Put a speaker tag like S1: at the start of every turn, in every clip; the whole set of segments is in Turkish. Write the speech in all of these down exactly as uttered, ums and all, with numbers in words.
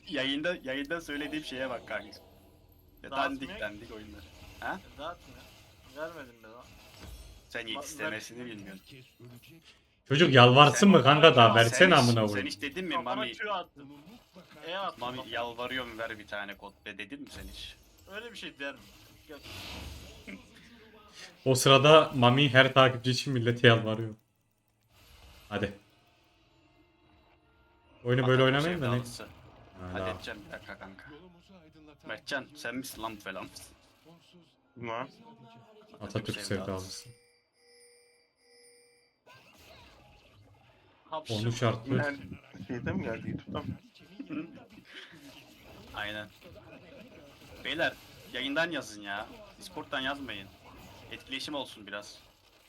S1: Yayında yayında söylediğim şeye bak kanka. Ya dandik
S2: Dağıtmıyor.
S1: dandik oyunlar. Ha?
S2: Dağıtmıyor. Vermedim ben ona.
S1: Sen
S2: Ba-
S1: istemesini bilmiyorsun.
S3: Çocuk yalvarsın
S1: Sen-
S3: mı kanka daha
S2: Sen
S3: versene
S1: hiç,
S3: amına
S1: sen
S3: koyayım.
S1: hiç dedin mi
S2: Kafana
S1: Mami?
S2: Q attım. E attım.
S1: Mami
S2: kafana.
S1: yalvarıyorum ver bir tane kod be dedin mi sen hiç?
S2: Öyle bir şey der mi? Yok.
S3: O sırada Mami her takipçi için millete yalvarıyor. Hadi. Oyunu böyle
S1: Atatürk
S3: oynamayın da ne?
S1: sevdalısı.
S3: Hala.
S1: Halledeceğim bir dakika kanka. Mertcan sen misin lan bu falan?
S4: Ne?
S3: Atatürk sevdalısı.
S2: Hapşır.
S3: Onu şartlı.
S4: Nerede? Şeyde mi geldi YouTube'dan?
S1: Aynen. Beyler yayından yazın ya. Discord'dan yazmayın. Etkileşim olsun biraz.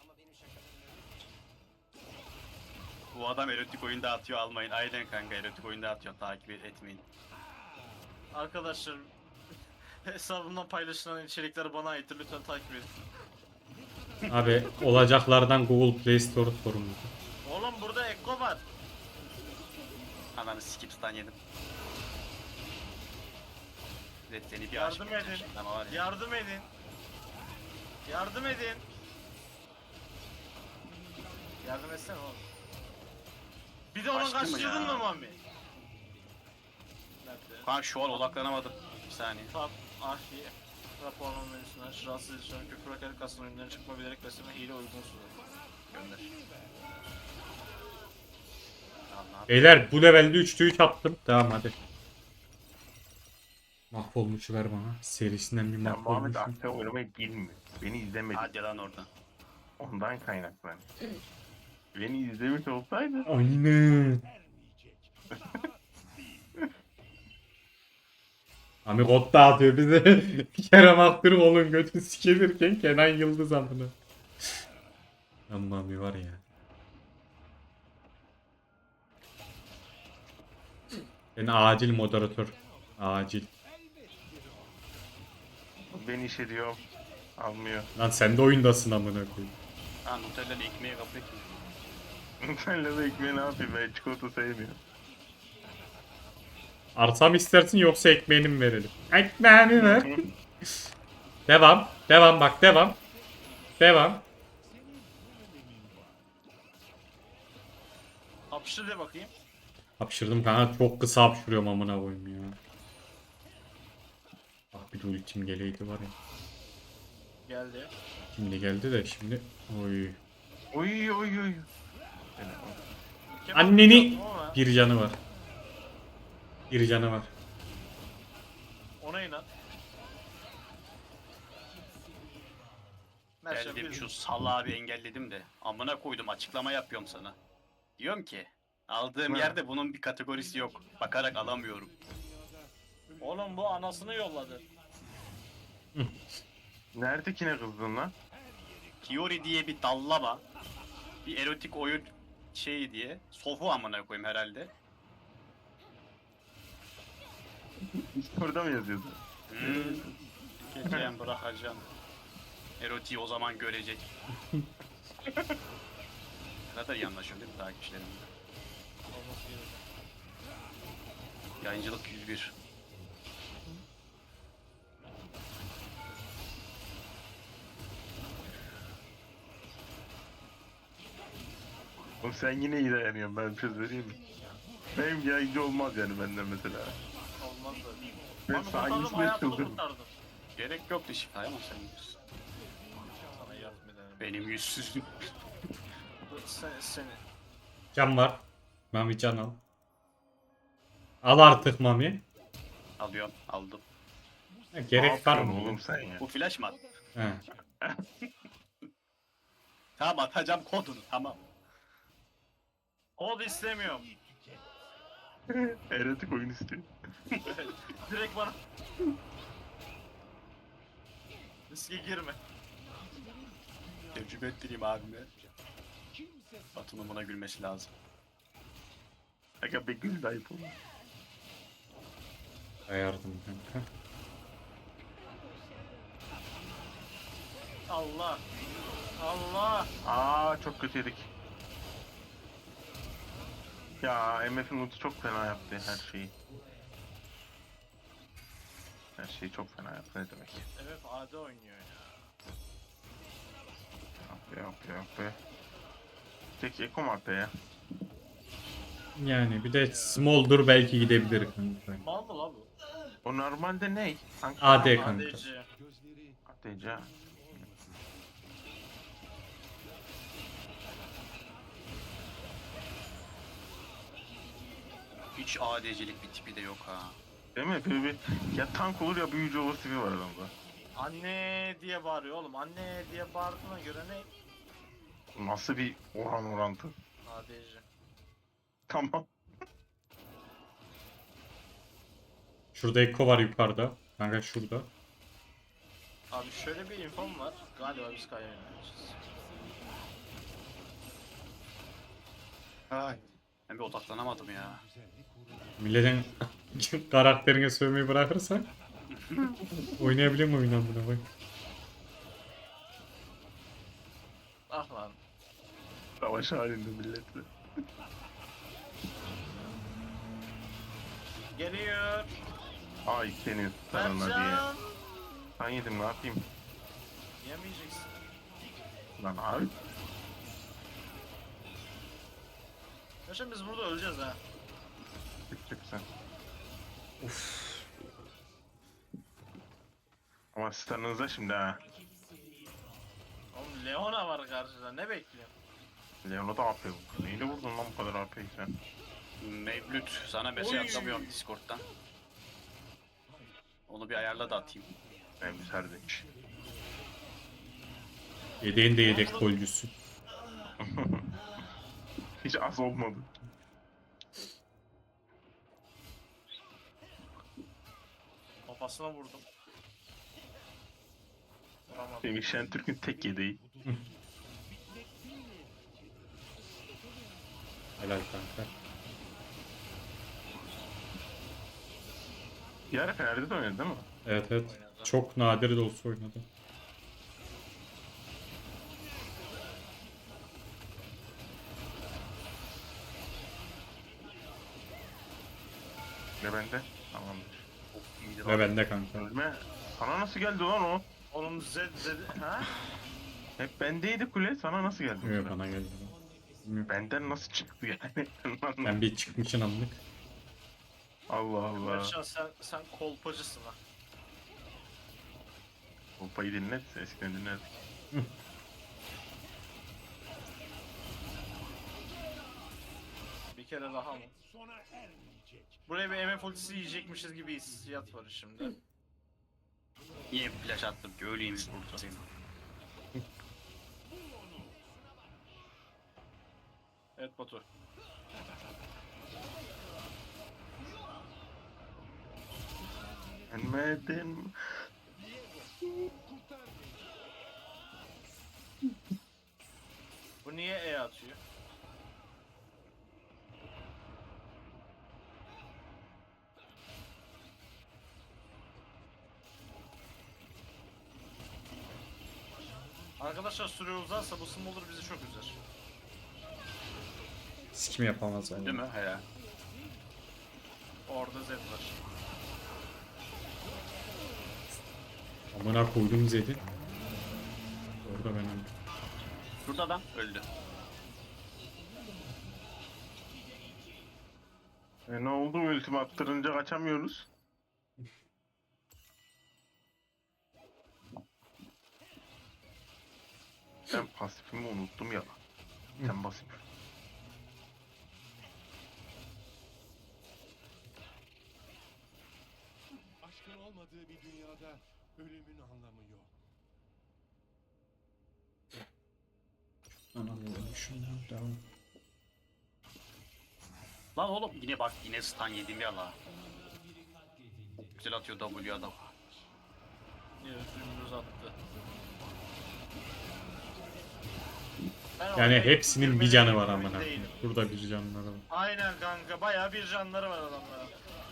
S1: Bu adam erotik oyunda atıyor almayın. Aynen kanka erotik oyunda atıyor takip etmeyin.
S2: Arkadaşlar hesabımdan paylaşılan içerikler bana aittir. Lütfen takip edin.
S3: Abi olacaklardan Google Play Store sorumlu.
S2: Oğlum burada Ekko var.
S1: Ananı skip stun yedim. Evet seni bir
S2: Yardım
S1: aşık
S2: edin.
S1: edeceğim ama var ya.
S2: Yardım edin. Yardım edin. Yardım etsene oğlum. Bir de onu
S1: Kaçtı mı
S2: kaçırdın
S1: ya?
S2: mı Mami? Nerede?
S1: Kanka şu an odaklanamadım. Bir saniye.
S2: Tab, ahi, raporlama menüsünden aç, rahatsız edici, küfür hakaret kastın oyundan çıkma bilerek besleme hile uygunsuz.
S1: Gönder. Allah.
S3: Beyler bu levelde üçte üç attım. Tamam hadi. Mahvolmuşu ver bana. Serisinden bir
S4: Ya Muhammed
S3: mahvolmuşu.
S4: aktif oynamayı bilmiyor. Beni izlemedi.
S1: Hadi lan oradan.
S4: Ondan kaynaklanıyor. Beni izlemiş olsaydı
S3: Aynen. Ami kod dağıtıyor bize. Kerem Aktürk olun götü sikelirken Kenan Yıldız amına. Amma Ami var ya. Ben acil moderatör. Acil.
S4: beni işe diyor. Almıyor.
S3: Lan sen de oyundasın amına koyayım.
S1: Ha Nutella'lı ekmeği kabul etmiyor.
S4: Senle de ekmeği ne yapayım, ben çikolata sevmiyorum.
S3: Arsa mı istersin yoksa ekmeğini mi verelim? Ekmeğini ver. Devam. Devam bak devam. Devam.
S2: Hapşır de bakayım.
S3: Hapşırdım kanka çok kısa hapşırıyorum amına koyayım ya. Bak bir de ultim geleydi var ya.
S2: Geldi.
S3: Şimdi geldi de şimdi. Oy.
S4: Oy oy oy.
S2: Kemal
S3: Anneni
S2: yaptım ama
S3: bir canı var. Bir canı var.
S2: Ona inan. Merşen
S1: Geldim
S2: bir
S1: şu salağı bir engelledim de. Amına koydum açıklama yapıyorum sana. Diyorum ki aldığım
S4: Ha.
S1: yerde bunun bir kategorisi yok. Bakarak alamıyorum.
S2: Oğlum bu anasını yolladı.
S4: Neredekine kızdın lan?
S1: Kiori diye bir dallama. Bir erotik oyun şeyi diye. Sofu amına koyayım herhalde.
S4: Orada mı yazıyorsun?
S1: Hmm. Geçeceğim bırakacağım. Erotiği o zaman görecek. Ne kadar iyi anlaşıyorum değil mi takipçilerimle?
S2: Olması gerekiyor.
S1: Yayıncılık yüz bir.
S4: Oğlum sen yine iyi dayanıyorsun, ben söz vereyim mi? Benim yayıncı olmaz yani benden mesela.
S2: Olmaz da.
S4: Ben
S2: Mami kurtardım
S4: saniyesinde
S2: hayatını
S4: çıldırdım.
S2: kurtardım.
S1: Gerek yoktu şifaya ama sen biliyorsun.
S2: Sana yardım ederim.
S1: Benim yüzsüzlüğüm.
S2: Sen, seni.
S3: Can var. Mami can al. Al artık Mami.
S1: Alıyorum, aldım.
S3: Ha,
S4: Ne
S3: gerek var
S4: yapıyorsun
S3: mı?
S4: oğlum sen ya?
S1: Bu flash mı?
S3: He.
S1: Tamam atacağım kodunu tamam.
S2: Kod istemiyorum.
S4: Erotik oyun istiyor.
S2: Direkt bana. Riske girme.
S1: Tecrübe ettireyim abime. Batu'nun buna gülmesi lazım.
S4: Aga be gül de ayıp olur.
S3: Ayardım kanka.
S2: Allah. Allah.
S4: Aa çok kötü yedik. Ya M F'in ulti çok fena yaptı her şeyi. Her şey çok fena yaptı ne demek.
S2: Evet A D oynuyor ya.
S4: Yap be yap be yap be. Tek Eko mu attı ya?
S3: Yani bir de Smolder belki gidebilir kanka.
S2: Mal mı la bu?
S4: O normalde ne? Hangi
S3: A D kanka.
S2: A D C.
S4: Ateca.
S1: Hiç A D C'lik bir tipi de yok ha.
S4: Değil mi? Böyle bir ya tank olur ya büyücü olur tipi var adamda.
S2: Anne diye bağırıyor oğlum. Anne diye bağırdığına göre ne?
S4: Nasıl bir oran orantı?
S2: A D C.
S4: Tamam.
S3: Şurada Ekko var yukarıda. Kanka şurada.
S2: Abi şöyle bir infom var. Galiba biz Kaya'ya oynayacağız.
S1: Ay. Ben bir odaklanamadım ya.
S3: Milletin karakterine sövmeyi bırakırsak oynayabiliyor mu oyundan buna bak.
S2: Ah lan.
S4: Savaş halinde milletle.
S2: Geliyor.
S4: Ay senin sarına diye.
S2: Berkcan.
S4: Ben yedim ne yapayım?
S2: Yemeyeceksin.
S4: Lan abi.
S2: Yaşam biz burada öleceğiz ha.
S4: Çık çık sen. Ama starınızda şimdi ha.
S2: Oğlum Leona var karşıda. Ne bekliyorsun?
S4: Leon'a da A P vurdu. Neyle vurdun lan bu kadar A P'yi sen?
S1: Mevlüt sana mesaj
S2: Oy.
S1: atamıyorum Discord'dan. Onu bir ayarla da atayım.
S4: Ben bir serdeç.
S3: Yedeğin de yedek golcüsü.
S4: Hiç az olmadı.
S2: Kafasına vurdum. Vuramadım.
S4: Semih Şentürk'ün tek yedeği.
S3: Helal kanka.
S4: Bir ara Fener'de de oynadı değil mi?
S3: Evet evet. Çok nadir de olsa oynadı.
S4: Ne bende? Tamamdır.
S1: Of iyiydi
S3: Ve
S1: lan.
S3: bende kanka.
S4: Ölme. Sana nasıl geldi lan o?
S2: Oğlum Z Z ha?
S4: Hep bendeydi kule. Sana nasıl geldi? bu
S3: Yok
S4: sefer?
S3: bana geldi. Bilmiyorum.
S4: Benden nasıl çıktı yani?
S3: Ben bir çıkmışın anlık.
S4: Allah Allah.
S2: Berkcan sen sen kolpacısın ha.
S4: Kolpayı dinlet. Eskiden dinlerdik.
S2: Bir kere daha mı? Buraya bir M F ultisi yiyecekmişiz gibi hissiyat var şimdi.
S1: Niye flash attım ki öleyim burada senin.
S2: Evet Batu.
S4: Gelmedin.
S2: Bu niye E atıyor? Arkadaşlar süre uzarsa bu Smolder bizi çok üzer.
S3: Sikim yapamaz yani.
S1: Değil mi? He.
S2: Orada Z var.
S3: Amına koydum Zed'i. Orada ben öldüm.
S1: Şurada adam öldü.
S4: E ne oldu? Ultimi attırınca kaçamıyoruz. Ben pasifimi unuttum ya. Sen pasif.
S5: Aşkın olmadığı bir dünyada ölümün anlamı yok.
S3: Anam şundan devam.
S1: Lan oğlum yine bak yine stun yedim ya la. Güzel atıyor W adam.
S2: Niye dümdüz attı. Ben
S3: Yani
S2: oraya
S3: hepsinin bir
S2: girmeleri
S3: canı var
S2: emin
S3: amına.
S2: değilim.
S3: Burada bir canları var.
S2: Aynen kanka bayağı bir canları var adamların.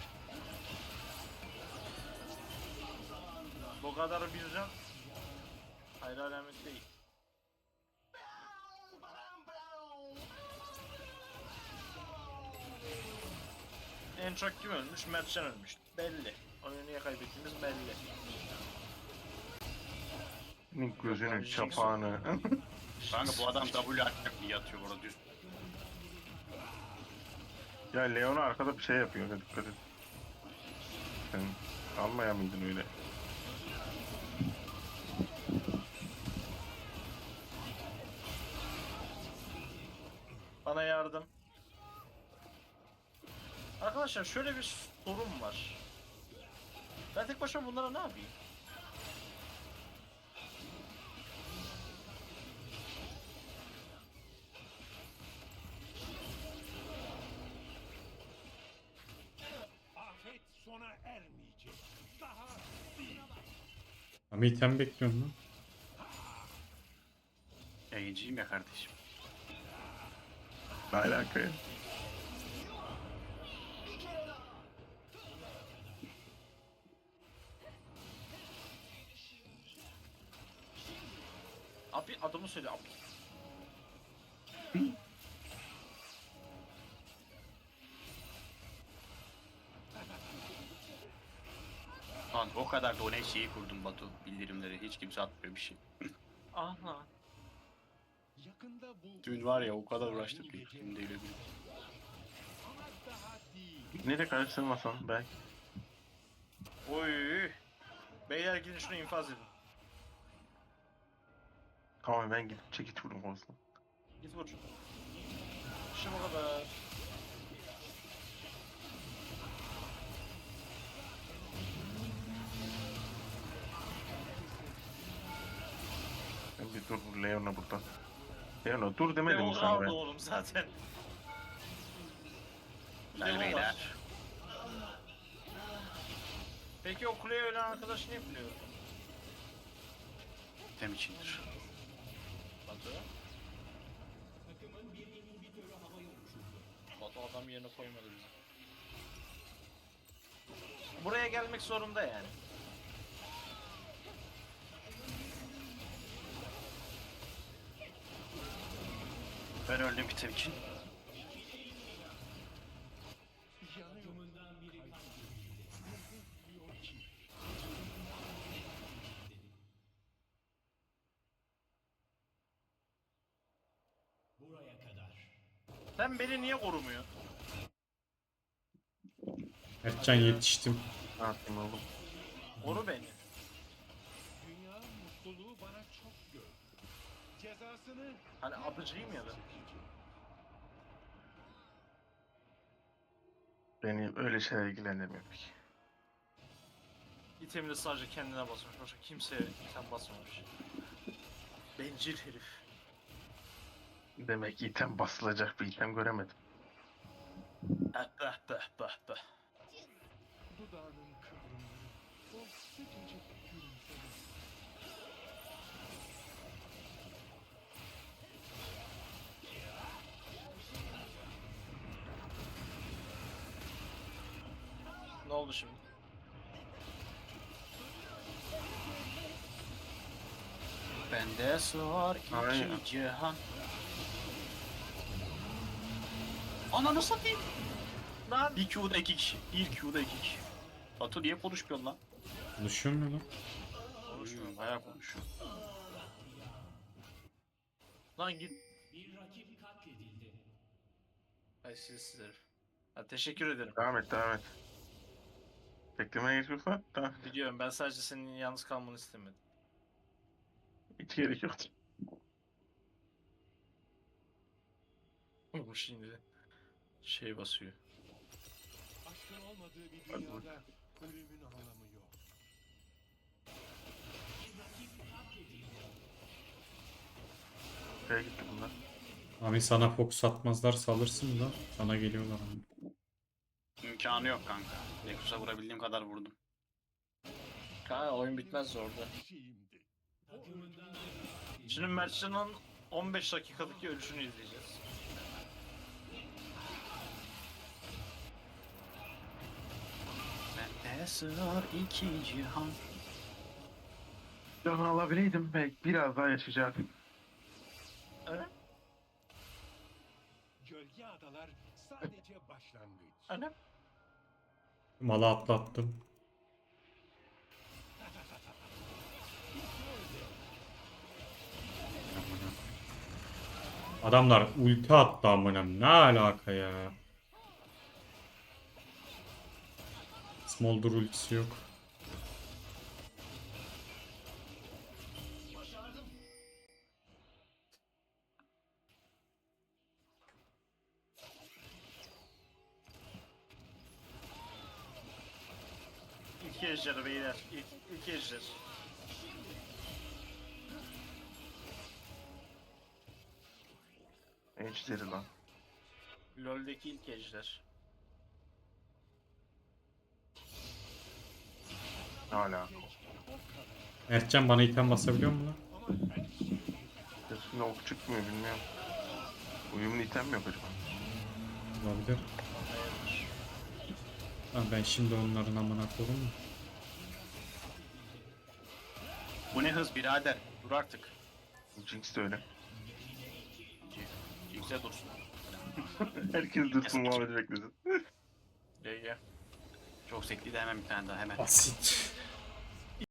S2: Bu kadar bir can hayır alamet değil. En çok kim ölmüş? Mertcan ölmüş. Belli. Oyunu niye kaybettiğimiz belli.
S4: Senin
S2: Yok
S4: gözünün
S2: lan, Jinx
S4: çapağını.
S1: Kanka bu adam W atacak diye yatıyor burada düz.
S4: Ya Leona arkada bir şey yapıyor. Hadi dikkat et. Sen almaya mıydın öyle?
S2: Bana yardım. Arkadaşlar şöyle bir sorun var. Ben tek başıma bunlara ne yapayım?
S5: Afet sona ermeyecek. Daha değil.
S3: Ama item bekliyorum lan.
S1: Yayıncıyım ya kardeşim.
S4: Ne alaka ya?
S2: Abi adımı söyle abi.
S1: Lan o kadar da o ne şeyi kurdum Batu. Bildirimleri hiç kimse atmıyor bir şey.
S2: Aha.
S5: Yakında bu
S1: Dün var ya o kadar uğraştık ki.
S5: Gelecek.
S1: Şimdi öyle bir.
S5: Ama daha değil.
S4: Nereye karıştırmasan belki.
S2: Oy. Beyler gidin şunu infaz edin.
S4: Tamam ben gidip çekiç vururum olsun.
S2: Git vur. İşte bu kadar.
S4: Ben bir dur Leona burada. Leona dur demedim mi
S2: Leon'u
S4: sana
S2: aldı
S4: ben?
S2: oğlum zaten.
S1: Hadi
S2: Leon
S1: beyler.
S2: var. Peki o kuleye ölen arkadaş ne biliyor?
S1: Tem içindir.
S2: Batu. Batu adam yerine koymadı bizi. Buraya gelmek zorunda yani.
S1: Ben öldüm bir tem için.
S5: Yanıyor. Diyor ki
S2: Sen beni niye korumuyor?
S3: Mertcan yetiştim.
S4: Ne yapayım oğlum?
S2: Koru beni.
S5: dünya mutluluğu bana çok gördü. Cezasını
S2: Hani adıcıyım ya ben.
S5: çekecek.
S4: Beni öyle şeyler ilgilendirmiyor peki.
S2: İtemini sadece kendine basmış. Başka kimseye item basmamış. Bencil herif.
S4: Demek ki item basılacak bir item göremedim.
S2: Eh beh beh beh beh.
S5: Dudağının kıvrımları, o sıcacık gülümseme.
S2: Ne oldu şimdi?
S1: Bende sığar
S4: Aynen.
S1: iki cihan. Ananı satayım.
S2: Lan!
S1: Bir Q'da iki kişi. Bir Q'da iki kişi. Batu niye konuşmuyorsun lan?
S3: Konuşuyor mu lan?
S1: Konuşmuyorum. Bayağı konuşuyor.
S2: Lan git. Ay siz herif. Ha, teşekkür ederim.
S4: Devam et devam et. Beklemeye gerek yok lan. Tamam.
S2: Biliyorum ben sadece senin yalnız kalmanı istemedim.
S4: Hiç gerek yok.
S2: Bu şimdi şey basıyor.
S5: Aşkın olmadığı bir dünyada ölümün anlamı yok.
S4: Nereye gitti bunlar?
S3: Abi sana fokus atmazlar salırsın da sana geliyorlar ama.
S1: İmkanı yok kanka. Nexus'a vurabildiğim kadar vurdum.
S2: Kanka oyun bitmez orada.
S5: Şeyimdi.
S2: Şimdi Mertcan'ın on beş dakikadaki ölüşünü izleyeceğiz.
S1: Bende sığar iki cihan.
S4: Canı alabileydim belki biraz daha yaşayacaktım.
S2: Öyle?
S5: Gölge adalar sadece başlangıç.
S2: Öyle?
S3: Malı atlattım. Adamlar ulti attı amına. Ne alaka ya? Smolder ultisi yok.
S2: İki ejder beyler. İlk, ilk ejder.
S4: Ejderi lan.
S2: LoL'deki ilk ejder.
S4: Hala.
S3: Mertcan bana item basabiliyor mu lan?
S4: Üstüne ok çıkmıyor bilmiyorum. Uyumlu item mi yok acaba?
S3: Olabilir. Lan ben şimdi onların amına koyayım mı?
S1: Bu ne hız birader. Dur artık.
S4: Jinx de öyle.
S1: Yüksel dursun.
S4: Herkes dursun muhabbeti beklesin.
S2: G G.
S1: Çok sekli de hemen bir tane daha hemen.
S3: Basit.